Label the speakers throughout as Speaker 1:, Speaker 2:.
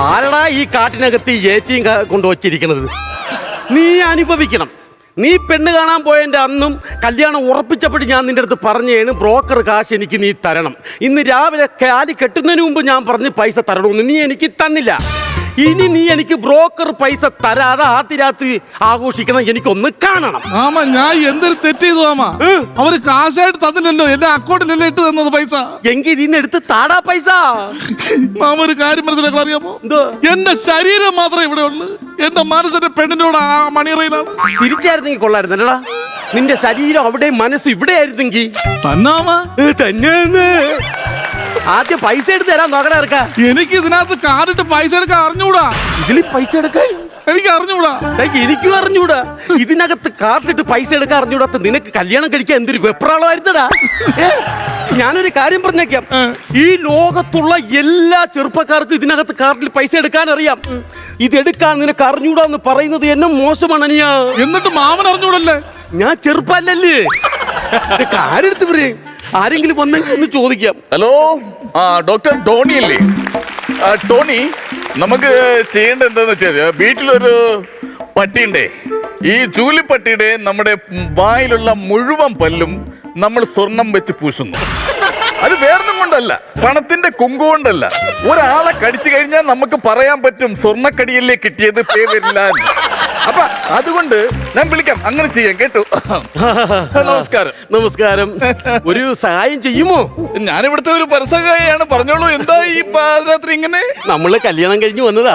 Speaker 1: ആരടാ ഈ കാട്ടിനകത്ത് ഏറ്റിയും കൊണ്ടുവച്ചിരിക്കുന്നത്? നീ അനുഭവിക്കണം. നീ പെണ്ണ് കാണാൻ പോയതിൻ്റെ അന്നും കല്യാണം ഉറപ്പിച്ചപ്പോൾ ഞാൻ നിന്റെ അടുത്ത് പറഞ്ഞേണ് ബ്രോക്കർ കാശ് എനിക്ക് നീ തരണം. ഇന്ന് രാവിലെ കാലി കെട്ടുന്നതിന് മുമ്പ് ഞാൻ പറഞ്ഞ് പൈസ തരണമെന്ന് നീ എനിക്ക് തന്നില്ല. ഇനി നീ എനിക്ക് ബ്രോക്കർ പൈസ തരാതെ ആദ്യ രാത്രി ആഘോഷിക്കണം. എനിക്കൊന്ന് കാണണം.
Speaker 2: മാമ ഞാൻ എന്തൊരു തെറ്റ് ചെയ്തു മാമ. അവര് കാശായിട്ട് തന്നില്ലല്ലോ, എന്റെ അക്കൗണ്ടിലല്ലേ ഇട്ട് തന്നത് പൈസ.
Speaker 1: എങ്കിൽ ഇതിന്ന് എടുത്ത് താടാ പൈസ.
Speaker 2: മാമ ഒരു കാര്യം മനസ്സിലാക്കാൻ അറിയാമോ? എന്റെ ശരീരം മാത്രമേ ഇവിടെ ഉള്ളു, എന്റെ മനസ്സിന്റെ പെണ്ണിനോട് ആ മണിയറയിലാണ്.
Speaker 1: തിരിച്ചായിരുന്നെങ്കിൽ കൊള്ളായിരുന്നല്ലടാ. നിന്റെ ശരീരം അവിടെ മനസ്സ് ഇവിടെ ആയിരുന്നെങ്കിൽ തന്നെ. ആദ്യം പൈസ എടുത്ത് തരാൻ നോക്കണ ഇറക്കാം.
Speaker 2: എനിക്ക് ഇതിനകത്ത് കാർഡിട്ട് പൈസ എടുക്കാൻ അറിഞ്ഞൂടാ.
Speaker 1: ഇതിൽ പൈസ എടുക്കാൻ
Speaker 2: എനിക്ക് അറിഞ്ഞൂടാ.
Speaker 1: എനിക്കും അറിഞ്ഞൂടാ. ഇതിനകത്ത് കാർഡിട്ട് പൈസ എടുക്കാൻ അറിഞ്ഞൂടാത്ത നിനക്ക് കല്യാണം കഴിക്കാൻ എന്തൊരു വെപ്രാളമായിരുന്നടാ. ഞാനൊരു കാര്യം പറഞ്ഞേക്കാം, ഈ ലോകത്തുള്ള എല്ലാ ചെറുപ്പക്കാർക്കും ഇതിനകത്ത് കാർഡിൽ പൈസ എടുക്കാൻ അറിയാം. ഇതെടുക്കാൻ നിനക്ക് അറിഞ്ഞൂടാന്ന് പറയുന്നത് എന്നെ മോശമാണ് അനിയാ.
Speaker 2: എന്നിട്ട് മാമൻ അറിഞ്ഞൂടല്ലേ?
Speaker 1: ഞാൻ ചെറുപ്പല്ലേ. ആരെടുത്ത് പറയും? ആരെങ്കിലും വന്നെങ്കിൽ ഒന്ന് ചോദിക്കാം.
Speaker 3: ഹലോ, ഡോക്ടർ ടോണി അല്ലേ? ടോണി, നമുക്ക് ചെയ്യേണ്ടത് എന്താന്ന് വെച്ചാൽ, വീട്ടിലൊരു പട്ടിയുണ്ടേ. ഈ ചൂലിപ്പട്ടിയുടെ നമ്മുടെ വായിലുള്ള മുഴുവൻ പല്ലും നമ്മൾ സ്വർണം വെച്ച് പൂശുന്നു. അത് വേറൊന്നും കൊണ്ടല്ല, പണത്തിന്റെ കുങ്കു കൊണ്ടല്ല. ഒരാളെ കടിച്ചു കഴിഞ്ഞാൽ നമുക്ക് പറയാൻ പറ്റും സ്വർണ്ണക്കടിയല്ലേ കിട്ടിയത്, പേ വരില്ല. അപ്പൊ അതുകൊണ്ട് ഞാൻ വിളിക്കാം, അങ്ങനെ ചെയ്യാം കേട്ടോ. നമസ്കാരം.
Speaker 1: നമസ്കാരം. ഒരു സഹായം ചെയ്യുമോ?
Speaker 3: ഞാനിവിടുത്തെ ഒരു പരസഹായാണ്, പറഞ്ഞോളൂ. എന്താ ഈ പാതിരാത്രി ഇങ്ങനെ?
Speaker 1: നമ്മള് കല്യാണം കഴിഞ്ഞു വന്നതാ.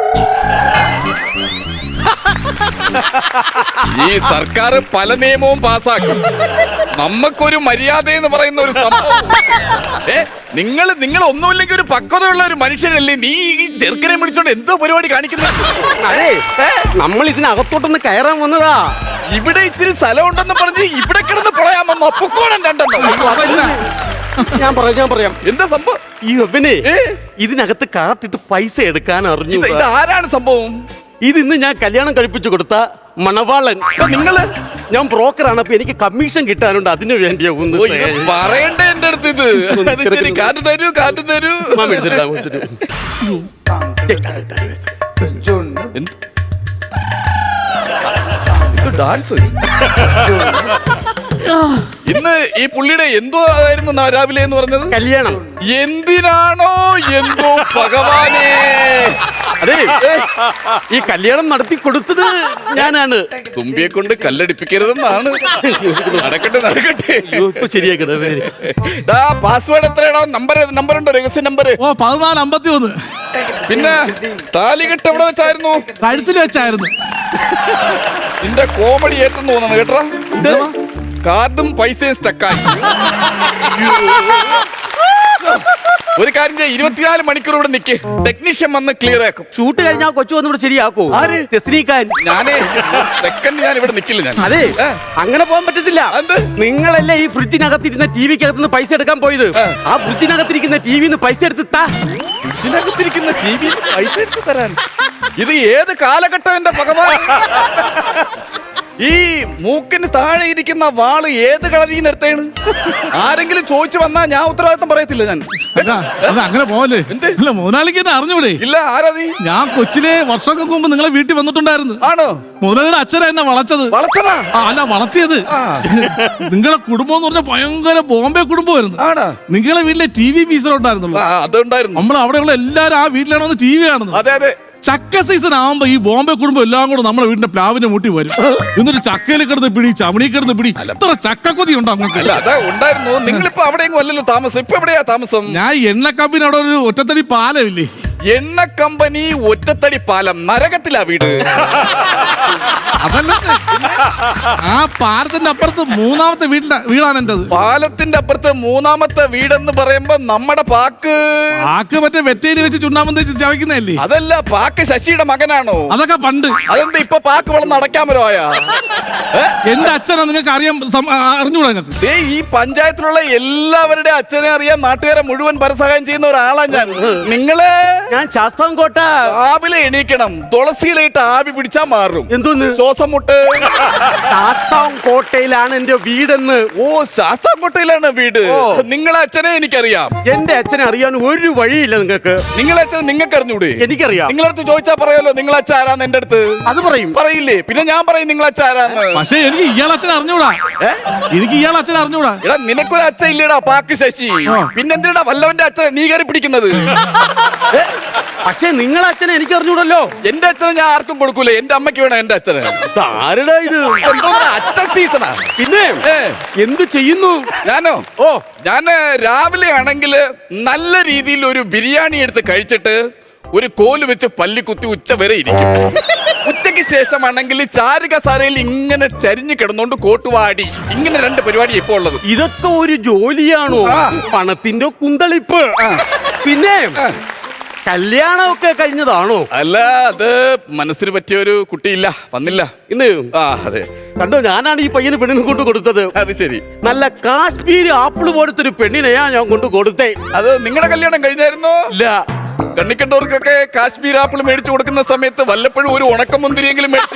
Speaker 3: ഈ സർക്കാർ പല നിയമവും പാസ്സാക്കും. നമുക്കൊരു മര്യാദ എന്ന് പറയുന്ന ഒരു സംഭവം. നിങ്ങൾ ഒന്നുമില്ലെങ്കിൽ ഒരു പക്വതയുള്ള ഒരു മനുഷ്യനല്ലേ? നീ ഈ ചെറുക്കനെ വിളിച്ചോണ്ട് എന്തോ പരിപാടി കാണിക്കുന്നത്?
Speaker 1: അതെ, നമ്മൾ ഇതിനകത്തോട്ടൊന്ന് കയറാൻ വന്നതാ.
Speaker 3: ഇവിടെ ഇച്ചിരി സ്ഥലം ഉണ്ടെന്ന് പറഞ്ഞ് ഇവിടെ കിടന്ന് പൊളയാൻ വന്നു. അപ്പൊക്കോണം രണ്ടെണ്ണം.
Speaker 1: ഞാൻ പറയാം.
Speaker 3: എന്താ സംഭവം?
Speaker 1: ഈ അവനെ ഇതിനകത്ത് കാത്തിട്ട് പൈസ എടുക്കാൻ അറിഞ്ഞു.
Speaker 3: ഇത് ആരാണ് സംഭവം?
Speaker 1: ഇതിന്ന് ഞാൻ കല്യാണം കഴിപ്പിച്ചു കൊടുത്ത മണവാളൻ.
Speaker 3: നിങ്ങള്?
Speaker 1: ഞാൻ ബ്രോക്കറാണ്, അപ്പൊ എനിക്ക് കമ്മീഷൻ കിട്ടാനുണ്ട്. അതിനു വേണ്ടിയാ ഒന്ന്
Speaker 3: പറയണ്ടേ എന്റെ അടുത്ത് ഇത്? ശരി, കാറ്റ് തരൂ. ഡാൻസ് ഇന്ന് ഈ പുള്ളിയുടെ എന്തോ ആയിരുന്നു രാവിലെ എന്ന് പറഞ്ഞത്?
Speaker 1: കല്യാണം.
Speaker 3: എന്തിനാണോ എന്തോ ഭഗവാനേ.
Speaker 1: അതെ, ഈ കല്യാണം നടത്തി കൊടുത്തത് ഞാനാണ്.
Speaker 3: തുമ്പിയെ കൊണ്ട് കല്ലടിപ്പിക്കരുതെന്നാണ്. നടക്കട്ടെ.
Speaker 1: ശരിയാക്കട്ടെ.
Speaker 3: പാസ്വേഡ് എത്രയാണോ? നമ്പർ ഉണ്ടോ? രഹസ്യ നമ്പർ?
Speaker 2: 1451.
Speaker 3: പിന്നെ താലികെട്ട് എവിടെ വെച്ചായിരുന്നു?
Speaker 2: കഴുത്തിൽ വെച്ചായിരുന്നു.
Speaker 3: നിന്റെ കോമഡി ഏറ്റെന്ന് തോന്നണം കേട്ടോ. കാർഡും പൈസയും സ്റ്റക്കായി. ഒരു കാര്യം ചെയ്യാം, 24 മണിക്കൂർ ഇവിടെ നിൽക്ക്. ടെക്നീഷ്യൻ വന്ന് ക്ലിയർ ആക്കും.
Speaker 1: ഷൂട്ട് കഴിഞ്ഞാൽ കൊച്ചു വന്ന് ഇവിടെ ശരിയാക്കോ?
Speaker 3: ആര്? ഞാനേ സെക്കൻഡ് ഞാൻ ഇവിടെ നിൽക്കില്ല. ഞാൻ
Speaker 1: അതെ, അങ്ങനെ പോകാൻ പറ്റത്തില്ല. നിങ്ങളല്ലേ ഈ ഫ്രിഡ്ജിനകത്തിരുന്ന ടിവിക്കകത്തുനിന്ന് പൈസ എടുക്കാൻ പോയത്? ആ ഫ്രിഡ്ജിനകത്തിരിക്കുന്ന ടിവിന്ന് പൈസ എടുത്ത്
Speaker 3: ഫ്രിഡ്ജിനകത്തിരിക്കുന്ന ടിവിന്ന് പൈസ എടുത്ത് തരാൻ ഇത് ഏത് കാലഘട്ടം എന്റെ ഭഗവാൻ? ഈ മൂക്കിന് താഴെ ഇരിക്കുന്ന വാള് ഏത് കളരിൽ നിന്ന് എടുത്തേണ്? ആരെങ്കിലും ചോദിച്ചു വന്നാ ഞാൻ ഉത്തരവാദിത്തം പറയത്തില്ല. ഞാൻ
Speaker 2: അങ്ങനെ പോവല്ലേ? അല്ല, മുതലാളിക്ക് എന്നെ അറിഞ്ഞൂടെ?
Speaker 3: ഇല്ല. ആരാ നീ?
Speaker 2: ഞാൻ കൊച്ചിലെ വർഷങ്ങൾക്ക് മുമ്പ് നിങ്ങളെ വീട്ടിൽ വന്നിട്ടുണ്ടായിരുന്നു.
Speaker 3: ആണോ?
Speaker 2: മുതലാളിയുടെ അച്ഛനാ എന്നെ വളച്ചത്.
Speaker 3: വളച്ചതാ?
Speaker 2: അല്ല, വളർത്തിയത്. നിങ്ങളെ കുടുംബം എന്ന് പറഞ്ഞാൽ ഭയങ്കര ബോംബെ കുടുംബമായിരുന്നു. നിങ്ങളെ വീട്ടിലെ TV പീസറുണ്ടായിരുന്നുള്ളൂ.
Speaker 3: അതുണ്ടായിരുന്നു.
Speaker 2: നമ്മൾ അവിടെയുള്ള എല്ലാരും ആ വീട്ടിലാണ് വന്ന് TV കാണുന്നത്.
Speaker 3: അതെ അതെ.
Speaker 2: ചക്ക സീസൺ ആവുമ്പോ ഈ ബോംബെ കുടുംബം എല്ലാം കൂടെ നമ്മളെ വീടിന്റെ പ്ലാവിന്റെ മുട്ടി വരും. എന്നിട്ട് ചക്കയിൽ കിടന്ന് പിടി, ചമണി കിടന്ന് പിടി. എത്ര ചക്കക്കൊതി ഉണ്ടോ അങ്ങോട്ട്?
Speaker 3: അല്ല, അതാ ഉണ്ടായിരുന്നു. നിങ്ങളിപ്പോ അവിടെയെങ്കിലും അല്ലല്ലോ താമസം. ഇപ്പൊ എവിടെയാ താമസം?
Speaker 2: ഞാൻ എണ്ണ കമ്പനി അവിടെ ഒരു ഒറ്റത്തടി പാലമില്ലേ?
Speaker 3: എണ്ണ കമ്പനി ഒറ്റത്തടി പാലം നരകത്തിലാ വീട്.
Speaker 2: അതല്ല, ആ പാലത്തിന്റെ അപ്പുറത്ത് 3ാമത്തെ വീടാണ് എന്റേത്.
Speaker 3: പാലത്തിന്റെ അപ്പുറത്ത് 3ാമത്തെ വീടെന്ന് പറയുമ്പോ നമ്മുടെ പാക്ക്
Speaker 2: മറ്റേ വെറ്റേരി വെച്ച് ചുണ്ണാമ്പം തേച്ച് ചവയ്ക്കുന്നതല്ലേ?
Speaker 3: അതല്ല, പാക്ക് ശശിയുടെ മകനാണോ?
Speaker 2: അതൊക്കെ പണ്ട്.
Speaker 3: അതെന്താ ഇപ്പൊ പാക്ക് വളർന്ന് അടയ്ക്കാൻ പറ്റുമോയാ?
Speaker 2: എന്റെ അച്ഛനാ നിങ്ങൾക്ക് അറിഞ്ഞൂടാ? നിങ്ങൾക്ക്
Speaker 3: ഈ പഞ്ചായത്തിലുള്ള എല്ലാവരുടെ അച്ഛനെ അറിയാൻ നാട്ടുകാരെ മുഴുവൻ പരസഹായം ചെയ്യുന്ന ഒരാളാ ഞാൻ. ഞാൻ
Speaker 1: ശാസ്താംകോട്ട.
Speaker 3: രാവിലെ എണീക്കണം, തുളസിയിലായിട്ട് ആവി പിടിച്ചാ മാറും.
Speaker 1: എന്തോന്ന്?
Speaker 3: ശ്വാസം മുട്ട്.
Speaker 1: ശാസ്താംകോട്ടയിലാണ് എന്റെ വീടെന്ന്.
Speaker 3: ഓ, ശാസ്താംകോട്ടയിലാണ് വീട്. നിങ്ങളെ അച്ഛനെ എനിക്കറിയാം.
Speaker 1: എന്റെ അച്ഛനെ അറിയാൻ ഒരു വഴിയില്ല നിങ്ങൾക്ക്.
Speaker 3: നിങ്ങളെ അച്ഛൻ നിങ്ങൾക്ക് അറിഞ്ഞൂടെ?
Speaker 1: എനിക്കറിയാം.
Speaker 3: നിങ്ങളടുത്ത് ചോദിച്ചാ പറയാലോ നിങ്ങളെ അച്ഛൻ ആരാന്ന് എന്റെ അടുത്ത്.
Speaker 1: അത് പറയും.
Speaker 3: പറയില്ലേ? പിന്നെ ഞാൻ പറയും നിങ്ങളെ അച്ഛൻ ആരാന്ന്.
Speaker 2: പക്ഷെ എനിക്ക് ഇയാൾ അച്ഛൻ അറിഞ്ഞൂടാ. എനിക്ക് ഇയാൾ അച്ഛൻ അറിഞ്ഞൂടാ.
Speaker 3: എടാ നിനക്കൊരു അച്ഛൻ ഇല്ലടാ, പാക്ക് ശശി. പിന്നെന്തിനാ വല്ലവന്റെ അച്ഛൻ നീ കയറി പിടിക്കുന്നത്?
Speaker 1: പക്ഷെ നിങ്ങളെ അച്ഛനെ എനിക്ക് അറിഞ്ഞൂടല്ലോ.
Speaker 3: എന്റെ അച്ഛനെ ഞാൻ ആർക്കും കൊടുക്കൂല. എന്റെ അമ്മയ്ക്ക് വേണം എന്റെ അച്ഛന്.
Speaker 1: ആരുടെ ഇത്?
Speaker 3: അച്ഛൻ സീസണാ.
Speaker 1: പിന്നെ എന്ത് ചെയ്യുന്നു?
Speaker 3: ഞാനോ?
Speaker 1: ഓ,
Speaker 3: ഞാന് രാവിലെ ആണെങ്കിൽ നല്ല രീതിയിൽ ഒരു ബിരിയാണി എടുത്ത് കഴിച്ചിട്ട് ഒരു കോല് വെച്ച് പല്ലി കുത്തി ഉച്ച വരെ ഇരിക്കും. ഉച്ചയ്ക്ക് ശേഷമാണെങ്കിൽ ചാരുകസാരയിൽ ഇങ്ങനെ ചരിഞ്ഞു കിടന്നോണ്ട് കോട്ടുവാടി. ഇങ്ങനെ 2 പരിപാടി ഇപ്പൊ ഉള്ളത്.
Speaker 1: ഇതൊക്കെ ഒരു ജോലിയാണോ? പണത്തിന്റെ കുന്തളിപ്പ്. പിന്നെ കല്യാണമൊക്കെ കഴിഞ്ഞതാണോ?
Speaker 3: അല്ല, അത് മനസ്സിന് പറ്റിയ ഒരു കുട്ടിയില്ല, വന്നില്ല
Speaker 1: ഇന്ന്.
Speaker 3: അതെ.
Speaker 1: കണ്ടോ, ഞാനാണ് ഈ പയ്യന് പെണ്ണിനെ കൊണ്ട് കൊടുത്തത്.
Speaker 3: അത് ശരി.
Speaker 1: നല്ല കാശ്മീരി ആപ്പിള് പോലത്തെ ഒരു പെണ്ണിനെയാ ഞാൻ കൊണ്ട് കൊടുത്തേ.
Speaker 3: അത് നിങ്ങളുടെ കല്യാണം കഴിഞ്ഞായിരുന്നോ?
Speaker 1: ഇല്ല.
Speaker 3: കണ്ണിക്കണ്ടവർക്കൊക്കെ കാശ്മീർ ആപ്പിൾ മേടിച്ചു കൊടുക്കുന്ന സമയത്ത് വല്ലപ്പോഴും ഒരു ഉണക്കമുന്തിരിയെങ്കിലും മേടിച്ചു.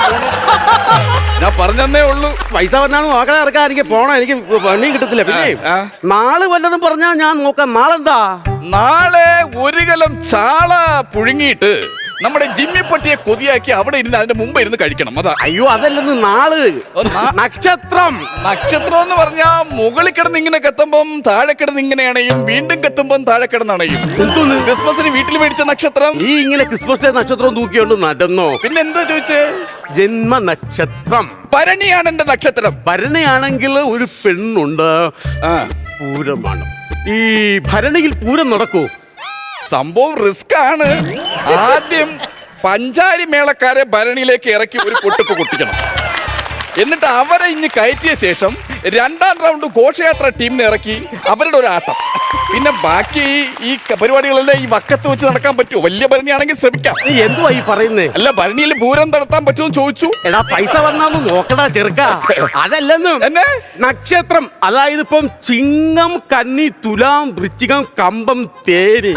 Speaker 3: ഞാൻ പറഞ്ഞേ ഉള്ളൂ.
Speaker 1: പൈസ വന്നാണ് നോക്കാൻ ഇറക്കാൻ എനിക്ക് പോണം. എനിക്ക് പണിയും കിട്ടത്തില്ല. പിന്നെ നാളെ വല്ലതും പറഞ്ഞാ ഞാൻ നോക്കാം. നാളെന്താ?
Speaker 3: നാളെ 1 കലം ചാള പുഴുങ്ങിയിട്ട് നമ്മുടെ ജിമ്മിപ്പട്ടിയെ കൊതിയാക്കി അവിടെ ഇരുന്ന് അതിന്റെ മുമ്പ് ഇരുന്ന് കഴിക്കണം. അതാ.
Speaker 1: അയ്യോ, അതല്ലെന്ന്. നാള് നക്ഷത്രം.
Speaker 3: നക്ഷത്രം എന്ന് പറഞ്ഞാ മുകളിൽ കിടന്ന് ഇങ്ങനെ കത്തുമ്പം താഴെ കിടന്ന് ഇങ്ങനെ അണയും, വീണ്ടും കത്തുമ്പം താഴെ കിടന്ന് അണയും.
Speaker 1: എന്തോന്ന്?
Speaker 3: ക്രിസ്മസിന് വീട്ടിൽ മേടിച്ച നക്ഷത്രം.
Speaker 1: ഈ ഇങ്ങനെ ക്രിസ്മസ് ഡേ നക്ഷത്രം തൂക്കിയോണ്ട് നടന്നോ?
Speaker 3: പിന്നെ എന്താ ചോദിച്ചേ?
Speaker 1: ജന്മ നക്ഷത്രം.
Speaker 3: ഭരണിയാണ് എന്റെ നക്ഷത്രം.
Speaker 1: ഭരണിയാണെങ്കിൽ ഒരു പെണ്ണുണ്ട്. പൂരമാണ്. ഈ ഭരണിയിൽ പൂരം നടക്കൂ?
Speaker 3: സംഭവം റിസ്ക് ആണ്. ആദ്യം പഞ്ചാരി മേളക്കാരെ ഭരണിയിലേക്ക് ഇറക്കി ഒരു പൊട്ടിപ്പ് കൊട്ടിക്കണം. എന്നിട്ട് അവരെ ഇഞ്ഞ് കയറ്റിയ ശേഷം 2ാം റൗണ്ട് ഘോഷയാത്ര ടീമിനെ ഇറക്കി അവരുടെ ഒരു ആട്ടം. പിന്നെ ബാക്കി ഈ പരിപാടികളെല്ലാം ഈ വക്കത്ത് വെച്ച് നടക്കാൻ പറ്റുമോ? വലിയ ഭരണിയാണെങ്കിൽ ശ്രമിക്കാം.
Speaker 1: നീ എന്തുവാ ഈ പറയുന്നേ?
Speaker 3: അല്ല, ഭരണിയിൽ പൂരം നടത്താൻ പറ്റുമെന്ന് ചോദിച്ചു.
Speaker 1: എടാ, പൈസ വന്നാന്ന് നോക്കടാ ചെറുക്ക. അതല്ലെന്ന്.
Speaker 3: എന്നെ
Speaker 1: നക്ഷത്രം, അതായത് ഇപ്പം ചിങ്ങം, കന്നി, തുലാം, വൃശ്ചികം, കമ്പം, തേനി.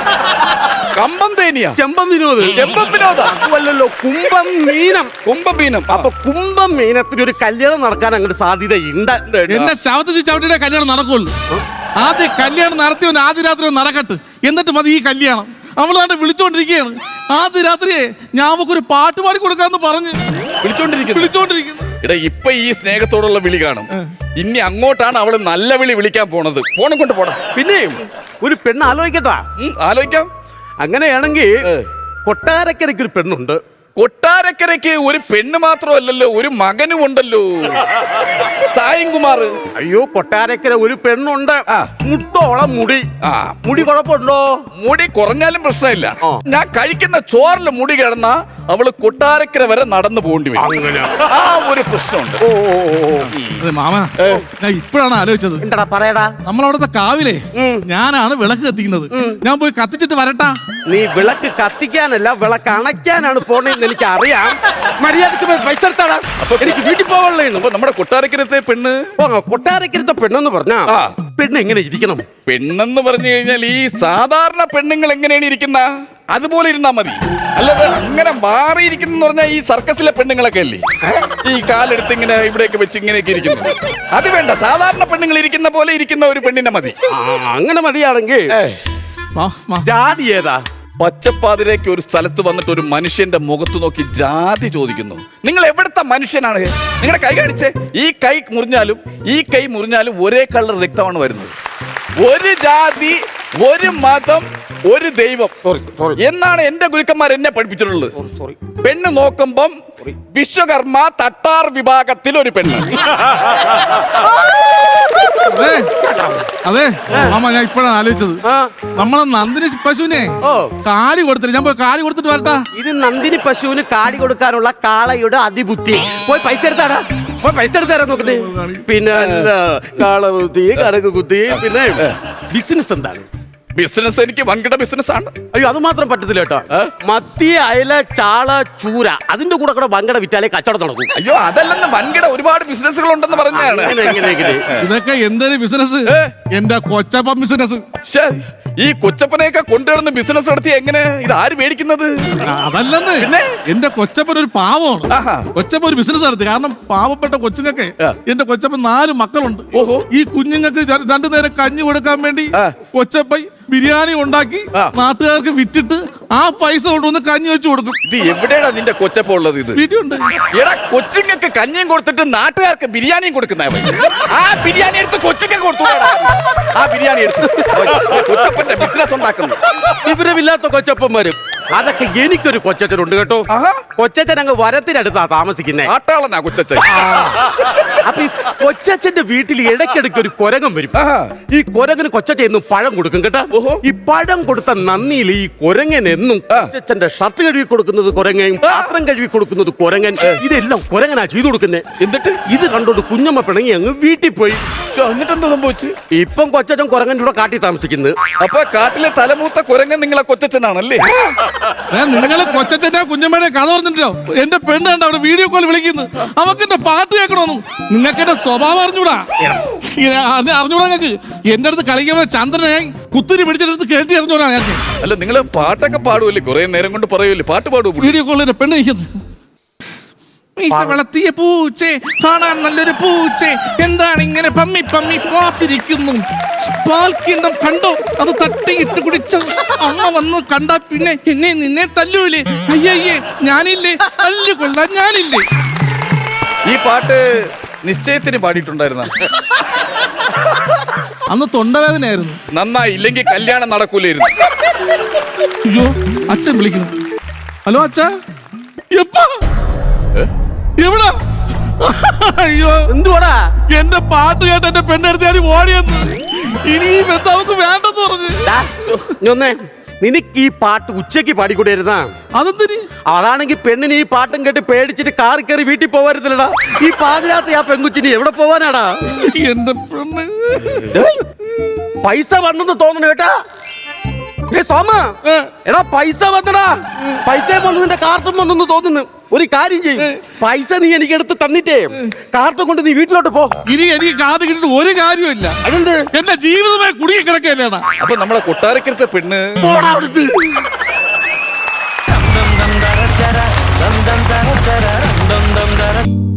Speaker 3: കമ്പം തേനിയാ?
Speaker 1: ചെമ്പം വിനോദ്.
Speaker 3: ചെമ്പം വിനോദ
Speaker 1: അല്ലല്ലോ, കുംഭം മീനം.
Speaker 3: കുംഭം മീനം.
Speaker 1: അപ്പൊ കുംഭം മീനത്തിന് ഒരു കല്യാണം നടക്കാൻ അങ്ങോട്ട് സാധ്യതയുണ്ട്.
Speaker 2: എന്നെ ശവത്തിൽ ചവിട്ടിയുടെ കല്യാണം നടക്കുള്ളൂ. ആദ്യം കല്യാണം നടത്തിയവൻ ആദ്യ രാത്രി നടക്കട്ടെ, എന്നിട്ട് മതി ഈ കല്യാണം. അവളാണ്ട് വിളിച്ചോണ്ടിരിക്കുകയാണ്. ആദ്യ രാത്രിയെ ഞാൻ ഒരു പാട്ട് പാടി കൊടുക്കാന്ന് പറഞ്ഞ് വിളിച്ചോണ്ടിരിക്കുന്നു.
Speaker 3: ഇടാ, ഇപ്പൊ ഈ സ്നേഹത്തോടുള്ള വിളി കാണും. ഇനി അങ്ങോട്ടാണ് അവള് നല്ല വിളി വിളിക്കാൻ പോണത്. ഫോണും കൊണ്ട് പോണം.
Speaker 1: പിന്നെ ഒരു പെണ്ണ് ആലോചിക്കട്ടാ?
Speaker 3: ആലോചിക്കാം.
Speaker 1: അങ്ങനെയാണെങ്കിൽ കൊട്ടാരക്കരയ്ക്ക് ഒരു പെണ്ണുണ്ട്.
Speaker 3: കൊട്ടാരക്കരയ്ക്ക് ഒരു പെണ്ണ് മാത്രമല്ലല്ലോ, ഒരു മകനും ഉണ്ടല്ലോ, സായൻകുമാർ.
Speaker 1: അയ്യോ, കൊട്ടാരക്കര ഒരു പെണ്ണുണ്ട്. മുട്ടോളം മുടി. മുടി കുഴപ്പമുണ്ടോ?
Speaker 3: മുടി കുറഞ്ഞാലും പ്രശ്നമില്ല. ഞാൻ കഴിക്കുന്ന ചോറിൽ മുടി കിടന്ന അവള് കൊട്ടാരക്കര വരെ നടന്നു പോകേണ്ടി വരും. ആ ഒരു പ്രശ്നമുണ്ട്.
Speaker 2: മാമ, ഞാൻ ഇപ്പോഴാണ് ആലോചിച്ചത്.
Speaker 1: എന്താ പറയടാ?
Speaker 2: നമ്മളവിടുത്തെ കാവിലെ ഞാനാണ് വിളക്ക് കത്തിക്കുന്നത്. ഞാൻ പോയി കത്തിച്ചിട്ട് വരട്ടാ.
Speaker 1: നീ വിളക്ക് കത്തിക്കാനല്ല, വിളക്ക് അണയ്ക്കാനാണ് പോണെന്ന് എനിക്ക് അറിയാം. മര്യാദക്ക് പൈസ എടുത്താടാ. എനിക്ക് വീട്ടിൽ പോകാനുള്ളൂ.
Speaker 3: അപ്പൊ നമ്മുടെ കൊട്ടാരക്കരത്തെ പെണ്ണ്,
Speaker 1: കൊട്ടാരക്കരത്തെ പെണ്ണെന്ന് പറഞ്ഞാ പെണ്ണ് എങ്ങനെ ഇരിക്കണം?
Speaker 3: പെണ്ണെന്ന് പറഞ്ഞു കഴിഞ്ഞാൽ ഈ സാധാരണ പെണ്ണുങ്ങൾ എങ്ങനെയാണ് ഇരിക്കുന്ന അതുപോലെ ഇരുന്നാ മതി. അല്ലാതെ അങ്ങനെ മാറിയിരിക്കുന്ന പറഞ്ഞാൽ ഈ സർക്കസിലെ പെണ്ണുങ്ങളൊക്കെ അല്ലേ ഈ കാലെടുത്ത് ഇങ്ങനെ ഇവിടെയൊക്കെ വെച്ച് ഇങ്ങനെയൊക്കെ ഇരിക്കുന്നു. അത് വേണ്ട, സാധാരണ പെണ്ണുങ്ങൾ ഇരിക്കുന്ന പോലെ ഇരിക്കുന്ന ഒരു പെണ്ണിനെ മതി.
Speaker 1: അങ്ങനെ മതിയാണെങ്കിൽ ജാതി ഏതാ?
Speaker 3: പച്ചപ്പാതിരേക്ക് ഒരു സ്ഥലത്ത് വന്നിട്ട് ഒരു മനുഷ്യന്റെ മുഖത്ത് നോക്കി ജാതി ചോദിക്കുന്നു. നിങ്ങൾ എവിടുത്തെ മനുഷ്യനാണ്? നിങ്ങളുടെ കൈ കാണിച്ചേ. ഈ കൈ മുറിഞ്ഞാലും ഒരേ കളർ രക്തമാണ് വരുന്നത്. ഒരു ജാതി, ഒരു മതം, ഒരു ദൈവം എന്നാണ് എന്റെ ഗുരുക്കന്മാർ എന്നെ പഠിപ്പിച്ചിട്ടുള്ളത്. പെണ്ണ് നോക്കുമ്പം വിശ്വകർമ്മ തട്ടാർ വിഭാഗത്തിൽ ഒരു പെണ്ണ്.
Speaker 2: അതെ മാമ, ഞാൻ ഇപ്പോഴാണ് ആലോചിച്ചത്. നമ്മളെ നന്ദിനി പശുവിനെ കാടി കൊടുത്തില്ല. ഞാൻ പോയി കാടി കൊടുത്തിട്ട് വരട്ടാ.
Speaker 1: ഇത് നന്ദിനി പശുവിന് കാടി കൊടുക്കാനുള്ള കാളയുടെ അതിബുദ്ധി. പോയി പൈസ എടുത്താടാ. പോയി പൈസ എടുത്താരാ നോക്കട്ടെ. പിന്നെ കാള കുത്തി, കടക്ക് കുത്തി. പിന്നെ ബിസിനസ് എന്താണ്?
Speaker 3: ബിസിനസ് എനിക്ക് വൻകിട ബിസിനസ് ആണ്.
Speaker 1: അയ്യോ, അത് മാത്രം പറ്റത്തില്ല കേട്ടോ. മത്തി, അയല, ചാള, ചൂര, അതിന്റെ കൂടെ കൂടെ വൻകിട വിറ്റാലേ കച്ചവടം നടക്കും.
Speaker 3: അയ്യോ, അതല്ലെന്ന് വൻകിട ഒരുപാട് ബിസിനസ്സുകൾ ഉണ്ടെന്ന് പറഞ്ഞാണ്.
Speaker 2: ഇതൊക്കെ എന്തൊരു ബിസിനസ്? എന്റെ കൊച്ചപ്പം ബിസിനസ്.
Speaker 3: ഈ കൊച്ചപ്പനെയൊക്കെ കൊണ്ടുവരുന്ന ബിസിനസ് നടത്തി എങ്ങനെ ഇത് ആര് മേടിക്കുന്നത്?
Speaker 2: അതല്ലെന്ന്
Speaker 3: പിന്നെ?
Speaker 2: എന്റെ കൊച്ചപ്പൻ ഒരു പാവമാണ്.
Speaker 3: ആഹാ.
Speaker 2: കൊച്ചപ്പൻ ഒരു ബിസിനസ് നടത്തി. കാരണം പാവപ്പെട്ട കൊച്ചുങ്ങൾക്ക് എന്റെ കൊച്ചപ്പൻ 4 മക്കളുണ്ട്.
Speaker 3: ഓഹോ.
Speaker 2: ഈ കുഞ്ഞുങ്ങൾക്ക് 2 നേരം കഞ്ഞി കൊടുക്കാൻ വേണ്ടി കൊച്ചപ്പൻ ബിരിയാണി ഉണ്ടാക്കി നാട്ടുകാർക്ക് വിറ്റിട്ട് ആ പൈസ കൊണ്ടുവന്ന് കഞ്ഞി വെച്ച് കൊടുക്കും.
Speaker 3: ഇത് എവിടെയാണ് നിന്റെ കൊച്ചപ്പ ഉള്ളത്? ഇത്
Speaker 2: വീട്ടിലുണ്ട്.
Speaker 3: എടാ, കൊച്ചുങ്ങൾക്ക് കഞ്ഞിയും കൊടുത്തിട്ട് നാട്ടുകാർക്ക് ബിരിയാണിയും കൊടുക്കുന്ന ആ ബിരിയാണി എടുത്ത് കൊച്ചുങ്ങൾക്ക് കൊടുത്തു. ആ ബിരിയാണി എടുത്ത് കൊച്ചപ്പന്റെ ബിസിനസ് ഉണ്ടാക്കുന്നു.
Speaker 1: വിവരമില്ലാത്ത കൊച്ചപ്പന്മാരും. അതൊക്കെ എനിക്കൊരു കൊച്ചച്ഛനുണ്ട് കേട്ടോ. കൊച്ചച്ഛൻ അങ്ങ് വരത്തിനടുത്താ താമസിക്കുന്നേ.
Speaker 3: ആട്ടാളനാ കൊച്ചച്ഛൻ.
Speaker 1: അപ്പൊ ഈ കൊച്ചച്ഛന്റെ വീട്ടിൽ ഇടയ്ക്കിടയ്ക്ക് ഒരു കുരങ്ങൻ വരും. ഈ കുരങ്ങന് കൊച്ചച്ഛൻ എന്നും പഴം കൊടുക്കും കേട്ടോ. ഈ പഴം കൊടുത്ത നന്ദിയിൽ ഈ കുരങ്ങൻ എന്നും കൊച്ചച്ഛന്റെ ഷർട്ട് കഴുകി കൊടുക്കുന്നത് കുരങ്ങൻ, പാത്രം കഴുകി കൊടുക്കുന്നത് കുരങ്ങൻ. ഇതെല്ലാം കുരങ്ങനാ ചെയ്തു കൊടുക്കുന്നേ.
Speaker 3: എന്നിട്ട്
Speaker 1: ഇത് കണ്ടോണ്ട് കുഞ്ഞമ്മ പിണങ്ങി അങ്ങ് വീട്ടിൽ പോയി.
Speaker 3: എന്നിട്ട് എന്താ സംഭവിച്ചു?
Speaker 1: ഇപ്പം കൊച്ചച്ഛൻ കുരങ്ങൻ്റെ കൂടെ കാട്ടി താമസിക്കുന്നത്.
Speaker 3: അപ്പൊ കാട്ടിലെ തലമൂത്ത കുരങ്ങൻ നിങ്ങളെ കൊച്ചച്ഛനാണല്ലേ?
Speaker 2: നിങ്ങള് കൊച്ചച്ഛന്റെ കുഞ്ഞമ്മയുടെ കഥ പറഞ്ഞിട്ടോ. എന്റെ പെണ്ണ് കണ്ട അവിടെ വീഡിയോ കോൾ വിളിക്കുന്നു. അവക്ക് എന്റെ പാട്ട് കേൾക്കണമെന്ന്. നിങ്ങൾക്ക് എന്റെ സ്വഭാവം അറിഞ്ഞൂടാ. അറിഞ്ഞൂടാ നിങ്ങൾക്ക്. എന്റെ അടുത്ത് കളിക്കുമ്പോ ചന്ദ്രനെ ഞാൻ കുത്തിരി പിടിച്ചെടുത്ത് കേട്ടി അറിഞ്ഞൂടാ. ഞാൻ
Speaker 3: അല്ല, നിങ്ങള് പാട്ടൊക്കെ പാടുമല്ലേ? കുറെ നേരം കൊണ്ട് പറയുമല്ലേ, പാട്ട് പാടുമോ?
Speaker 2: വീഡിയോ കോളിൽ എന്റെ പെണ്ണ് നിൽക്കുന്നത്. വളർത്തിയ പൂച്ചേ, കാണാൻ നല്ലൊരു പൂച്ചേ, എന്താണ് ഇങ്ങനെ പമ്മി പമ്മി പാത്തിരിക്കുന്നു? പാൽക്കിണ്ണം കണ്ടോ? അത് തട്ടിയിട്ട് കുടിച്ച അമ്മ വന്ന് കണ്ടാ പിന്നെ എന്നെ നിന്നെ തല്ലൂലേ? അയ്യയ്യേ, ഞാനില്ലേ? തല്ലുകൊള്ളാൻ ഞാനില്ലേ?
Speaker 3: ഈ പാട്ട് നിശ്ചയത്തിന് പാടിയിട്ടുണ്ടായിരുന്ന?
Speaker 2: അന്ന് തൊണ്ടവേദനയായിരുന്നു.
Speaker 3: നന്നായി, ഇല്ലെങ്കിൽ കല്യാണം നടക്കൂലായിരുന്നു.
Speaker 2: അയ്യോ, അച്ഛൻ വിളിക്കുന്നു. ഹലോ അച്ഛാ, എപ്പാ എവിടാ? അയ്യോ,
Speaker 1: എന്തുവാടാ?
Speaker 2: എന്റെ പാട്ട് കേട്ട് എന്റെ പെണ്ണെടുത്ത് ഓടിയെന്ന്. ഇനി ഈ ബന്ധം അവക്ക് വേണ്ടെന്ന് പറഞ്ഞു.
Speaker 1: നിനക്ക് ഈ പാട്ട് ഉച്ചയ്ക്ക് പാടിക്കൂടായിരുന്നാ?
Speaker 2: അതെന്തിന്?
Speaker 1: അതാണെങ്കിൽ പെണ്ണിന് ഈ പാട്ടും കേട്ട് പേടിച്ചിട്ട് കാറി കയറി വീട്ടിൽ പോവായിരുന്നില്ലടാ. ഈ പാതിരാത്രി ആ പെൺകുച്ചിന് എവിടെ പോവാനാടാ?
Speaker 2: എന്റെ പെണ്ണ്
Speaker 1: പൈസ വന്നെന്ന് തോന്നുന്നു കേട്ടാ. സോമ, എടാ പൈസ വന്നടാ. പൈസ വന്നു, നിന്റെ കാർട്ടും വന്നെന്ന് തോന്നുന്നു. ഒരു കാര്യം ചെയ്യും, പൈസ നീ എനിക്ക് എടുത്ത് തന്നിട്ടേ കാർട്ടും കൊണ്ട് നീ വീട്ടിലോട്ട് പോ.
Speaker 2: ഇനി എനിക്ക് കാത് കിട്ടിട്ട് ഒരു കാര്യമില്ല.
Speaker 1: അതെന്ത്?
Speaker 2: എന്റെ ജീവിതമായി കുടുങ്ങി കിടക്കല്ലേടാ.
Speaker 3: അപ്പൊ നമ്മളെ കൊട്ടാരക്കരത്തെ പെണ്ണ്
Speaker 1: പോടാ അവിടുന്ന്.
Speaker 4: dum dum dum